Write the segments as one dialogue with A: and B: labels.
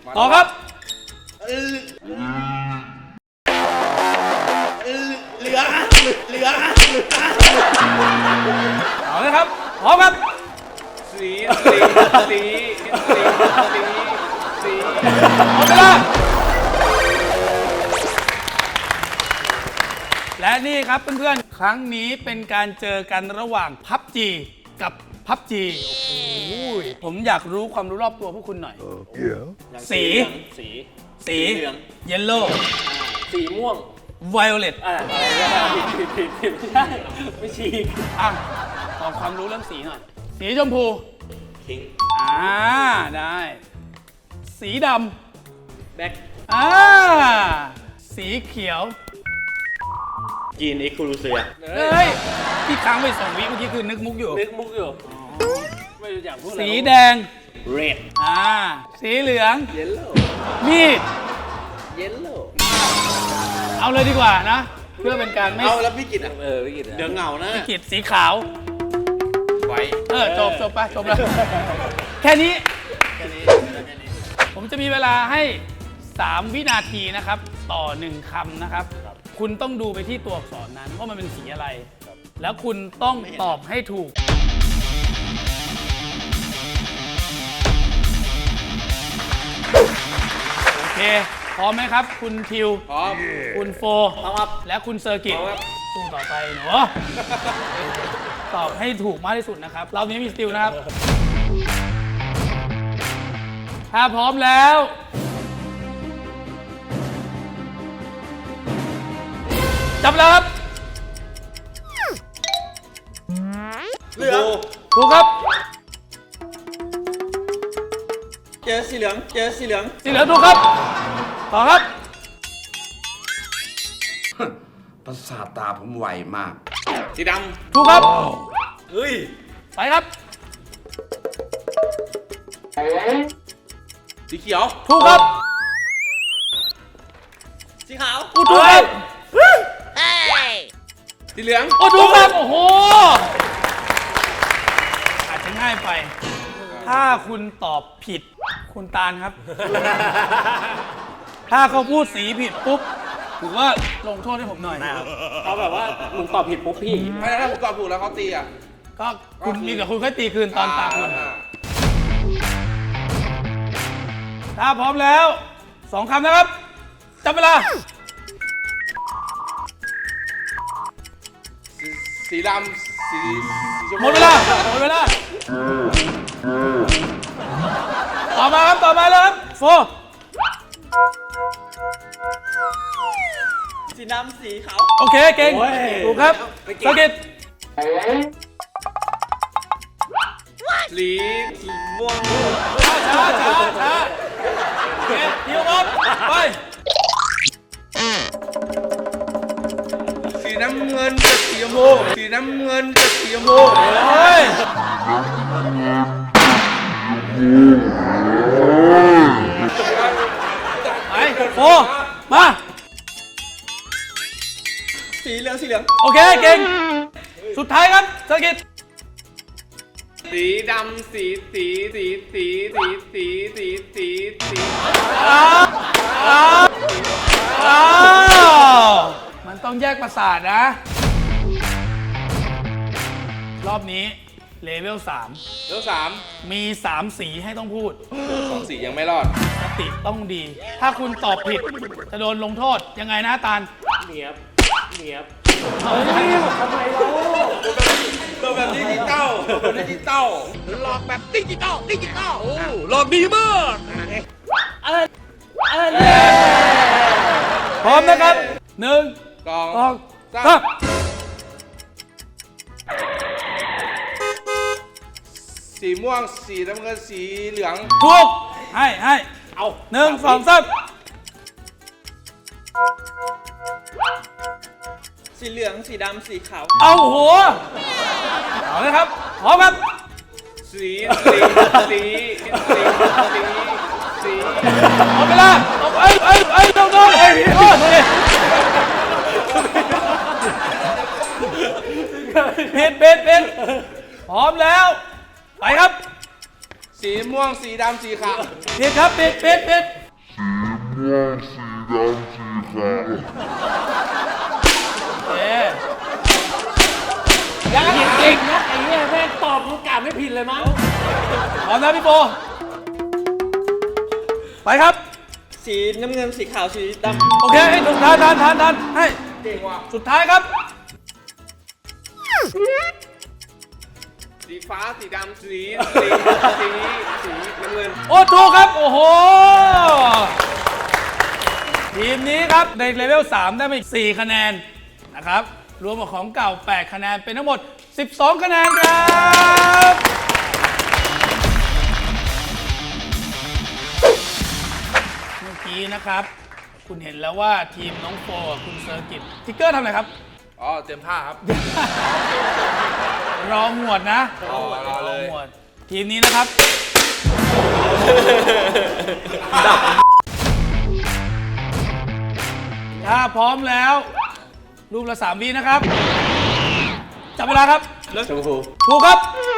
A: ต่อครับ
B: เหลือ
A: เอาเลยครับพร้อมครับ
B: สี
A: หมดเวลาและนี่ครับเพื่อนๆครั้งนี้เป็นการเจอกันระหว่างพับจีกับพับจีโอ้โหผมอยากรู้ความรู้รอบตัวพวกคุณหน่อยสี
B: เหลือง
A: เยลโล่
B: สีม่วง
A: ไวโอเลต
B: อะไรผิดไม่ใช่ไม่ฉีก
A: อ่ะขอความรู้เรื่องสีหน่อยสีชมพู
B: คิง
A: ได้ สีด
B: แบ็ค
A: ำสีเขียว
B: จีนเอ็กซ์คลูเซีย
A: เฮ้ยที่ค้างไป2 วิเมื่อกี้คือนึกมุกอยู่
B: นึกมุกอยู่ไม่รู้จักพูดอะไร
A: สีแดง
B: เรด
A: สีเหลือง
B: เยลโล่
A: มีด
B: เยลโล่
A: เอาเลยดีกว่านะ เพื่อเป็นการไม่
C: เอาแล้วพี่กิตอ่ะ
B: พี่กิต
C: เดี๋ยวเหงานะ
A: ขีดสีขาว
C: ไว้
A: จบไปจบแล้ว แค่นี้ ผมจะมีเวลาให้ 3 วินาทีนะครับ ต่อ 1 คำนะครับ คุณต้องดูไปที่ตัวอักษรนั้นว่ามันเป็นสีอะไร แล้วคุณต้องตอบให้ถูก โอเค พร้อมไหมครับ คุณทิว
C: พร้อม
A: คุณโฟ
B: พร้อมครับ
A: และคุณเซอร์กิต
C: พร้อมครับ
A: สู้ต่อไปหนู ตอบให้ถูกมากที่สุดนะครับ เรานี้มีสติลนะครับ ถ้าพร้อมแล้ว จับแล้วครับ
C: เหลือง
A: ถูกครับ
C: เจอสีเหลือง
A: สีเหลืองถูกครับ ต่อครับ
D: ประสาทตาผมไวมาก
C: สีด
A: ถูกครับ
C: ำเฮ้ย
A: ไปครับ
C: สีเขียว
A: ถูกครับ
C: สีขาว
A: ถูกครับ
C: สีเหลือง
A: ถูกครับ โอ้โห อาจจะง่ายไป ถ้าคุณตอบผิด คุณตาลครับ ถ้าเขาพูดสีผิดปุ๊บถือว่าลงโทษให้ผมหน่อย
B: เขาแบบว่ามึงตอบผิดปุ๊บพี่
C: ไม่ถ้าผมตอบถูกแล้วเขาตีอ่ะ
A: ก็คุณมีกับคุณค่อยตีคืนตอนตาคุณ ถ้าพร้อมแล้ว 2 คำนะครับ จับเวลา
C: สีดำสีชม
A: หม
C: พู
A: ดเวลา หมดเวลา ต่อมาครับ ต่อมาแล้วครับโฟ
C: สีดำสีขาว
A: โอเค เก่ง ถูกครับสกิด
C: สีม่วง
A: ช้าเก่งเดี๋ยวครับไป
C: สีน้ำเงินกับสีชมพูสีน้ำเงินกับสีชมพู
A: เฮ้ยไปโฟมา
C: สีเหลือง
A: โอเค เก่ง สุดท้ายครับสกิด
C: สีดำสี
A: อ้าวมันต้องแยกประสาทนะ รอบนี้เลเวล
C: แล้วสาม
A: 3 มี 3 สีให้ต้องพูด
C: 2 สียังไม่รอด
A: สติต้องดี ถ้าคุณตอบผิด จะโดนลงโทษ ยังไงนะตาล
B: เนียบ
A: เฮ้ย
B: ทำไมเรา
C: ตัวแบบดิจิตอลหลอกแบบดิจิตอลหลอกดีมาก
A: พร้อมนะครับ 1
C: กอง
A: 2 3
C: สีม่วงสีน้ำเงินสีเหลือง
A: ถูก ให้
B: เอา
A: 1 2 3
C: สีเหลืองสีดำสีขาว
A: เอาหัวเอาเลยครับ พร้อมครับ
C: สี
A: หมดเวลาตบโดนผิดพร้อมแล้ว ไปครับ
C: สีม่วงสีดำสีขาว
A: ผิดครับผิดโอเค
B: ยังจริงนะไอ้เนี่ยแม่งตอบมึงกะไม่ผิดเลยมั้ง
A: พร้อมนะพี่โปไปครับ
E: สีน้ำเงินสีขาวสีด
A: โอเคให้ถูกทานให้สุดท้ายครับ
C: สีฟ้าสีดำสีน้ำเงิน
A: โอ้ถูกครับ โอ้โห ทีมนี้ครับในเลเวล 3 ได้มาอีก 4 คะแนนนะครับ รวมกับของเก่า 8 คะแนน เป็นทั้งหมด 12 คะแนนครับ เมื่อกี้นะครับ คุณเห็นแล้วว่าทีมน้องโฟกับคุณเซอร์กิตทิกเกอร์ทำอะไรครับ
C: อ๋อเต็มท่าครับ
A: รอหมวดนะ
C: รอเลย
A: หมวดทีมนี้นะครับ ถ้าพร้อมแล้ว รูปละ3 วินะครับ จับเวลาครับ
B: ชมพู
A: ถูกครับ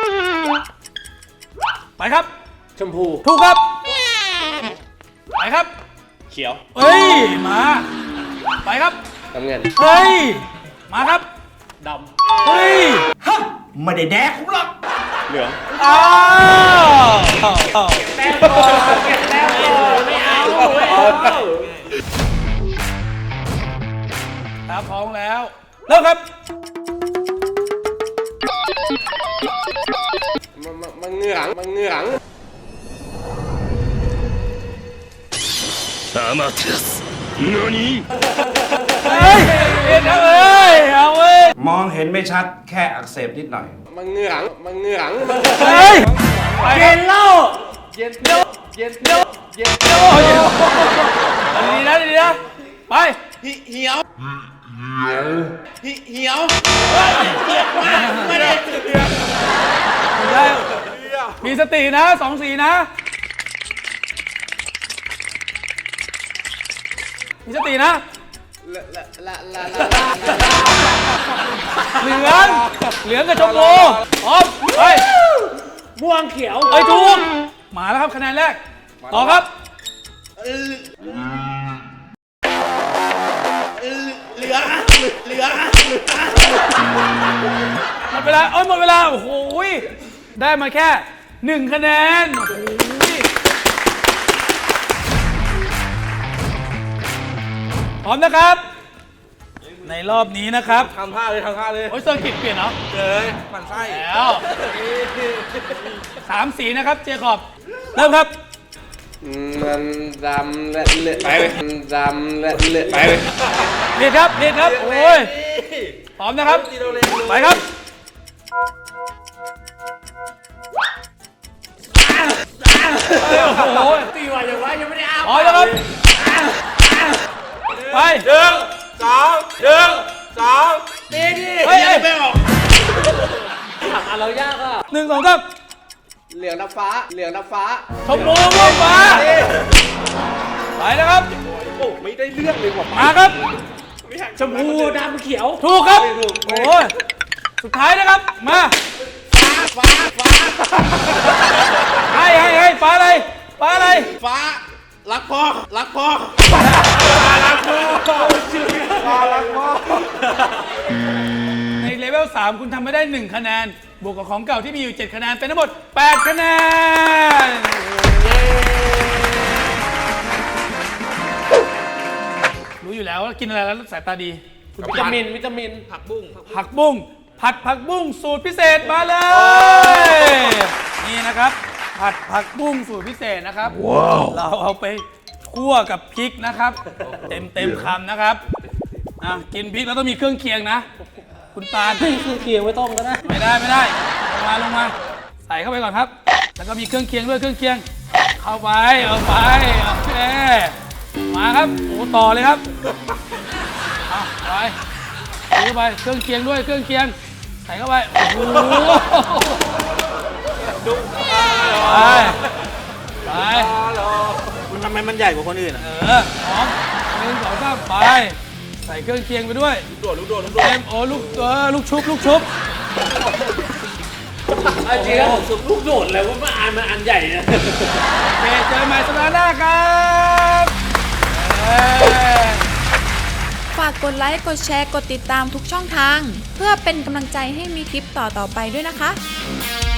A: ไปครับ
B: ชมพู
A: ถูกครับ ไปครับ
B: เขียว
A: เอ้ย มา ไปครับ
B: น้ำเงิน
A: เฮ้ย มาครับ
B: ด
A: เฮ้ย
D: ไม่ได้แดกกูหรอก
B: ำเหลือง
A: อ้าว
B: แต้มก่อนเก็บแต้มก่อนไม่เอาไม่เอา
A: ถ้าพร้อมแล้ว เริ่มครับ
C: มันเหงืองมันเหงือง
A: เฮ้ยเอ็นเอาเอ้ยเอาเว้ย
D: มองเห็นไม่ชัดแค่อักเสบนิดหน่อย
C: มันเหงืองมันเหงือง
A: เฮ้ยไปค
B: เย็
A: รับ
B: นเล่า
C: เย็นเย็นเย็นเย็นเย็น
A: โอ้ยดีนะดีนะ ไป
C: เหี่ยวเหี่ยว
A: ไม่ได้มีสตินะ2 สีนะ มีสตินะ เหลืองกับชมพูพร้อมไป
B: ม่วงเขียว
A: เอ้ยถูกมาแล้วครับคะแนนแรก ต่อครับ หมดเวลาหมดเวลา โอ้โหยได้มาแค่ 1 คะแนน โอ้โหยพร้อมนะครับ ในรอบนี้นะครับ
C: ทำท่าเลย
A: โอ้ยเซอร์กิตเปลี่ยนเหรอ
C: เลยมันไส้
A: แล้ว3 สีนะครับ เจคอบ เริ่มครับ
C: มันดำและเลือดไปเลยดำและเลือดไปเลย
A: เรียดครับ โอ้ย พร้อมนะครับ ไปครับ โอ้โห
B: ตีว่าอย่างไรยังไม่ได้อ้า
A: พร้อมแล้วครับ ไป
C: 1 2
B: ตีดิ
A: เฮ้ย
C: ไม่ออก
B: อ่ะเรายากอ่ะ
A: 1 2 3
C: เหลืองน้ำฟ้าเหลืองน้ำฟ้า
A: ชมพูม่วงฟ้า ไปนะครับ
C: โอ้ไม่ได้เรื่องเลยว่ะ
A: มาครับ
B: ชมพูดำเขียว
A: ถูกครับ โอ้ย สุดท้ายนะครับ มา
C: ฟ้า
A: ให้ฟ้าอะไรฟ้าอะไร
C: ฟ้ารักพ่อ
A: ในเลเวล 3 คุณทำไม่ได้ 1 คะแนน บวกกับของเก่าที่มีอยู่ 7 คะแนน เป็นทั้งหมด 8 คะแนน รู้อยู่แล้วว่ากินอะไรแล้วสายตาดี
B: วิตามิน
A: ผักบุ้งผัดผักบุ้งสูตรพิเศษมาเลย นี่นะครับ ผัดผักบุ้งสูตรพิเศษนะครับ เราเอาไปคั่วกับพริกนะครับ เต็มคำนะครับกินพริกแล้วต้องมีเครื่องเคียงนะ คุณตาล
B: คือเคียงไว้ต้มก็ได้
A: ไม่ได้ลงมาใส่เข้าไปก่อนครับ แล้วก็มีเครื่องเคียงด้วยเครื่องเคียง เข้าไปเอาไปโอเคมาครับโอ้ต่อเลยครับเอาไปใส่เข้าไปเครื่องเคียงด้วยเครื่องเคียงใส่เข้าไปโอ้โหไป
E: ำทำไมมันใหญ่กว่าคนอื่นอ่ะ
A: พร้อม1 2 3ไปใส่เครื่องเคียงไปด้วยลูกโดดเต็มโอ้ลูกชุบ
B: จริงแล้วผมลูกโดดแล้วว่ามันอันใหญ่นะ
A: โอเคเจอกันใหม่สัปดาห์หน้าครับ
F: ากกดไลค์กดแชร์กดติดตามทุกช่องทาง เพื่อเป็นกำลังใจให้มีคลิปต่อๆไปด้วยนะคะ